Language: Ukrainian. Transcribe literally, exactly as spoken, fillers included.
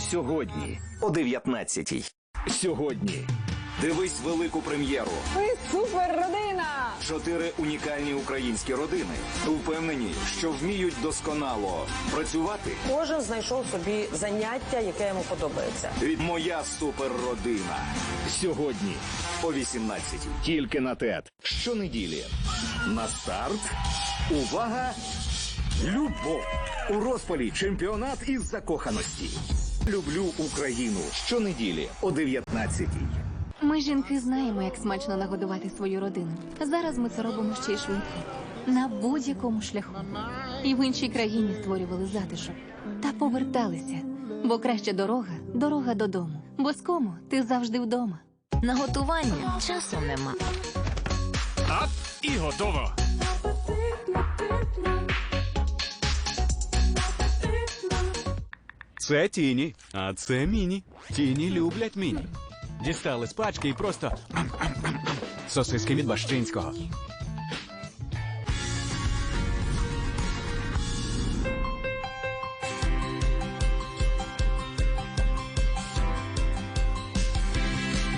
Сьогодні о дев'ятнадцятій. Сьогодні. Дивись велику прем'єру. Ви супер родина! Чотири унікальні українські родини впевнені, що вміють досконало працювати. Кожен знайшов собі заняття, яке йому подобається. Від «Моя суперродина». Сьогодні о вісімнадцятій. Тільки на ТЕТ. Щонеділі. На старт. Увага! Любов. У розпалі чемпіонат із закоханості. Люблю Україну. Щонеділі о дев'ятнадцятій. Ми, жінки, знаємо, як смачно нагодувати свою родину. Зараз ми це робимо ще й швидко. На будь-якому шляху. І в іншій країні створювали затишок. Та поверталися. Бо краща дорога – дорога додому. Бо з кому ти завжди вдома. На готування часу нема. Ап, і готово. Це Тіні, а це Міні. Тіні люблять Міні. Дістали з пачки і просто... Сосиски від Бащинського.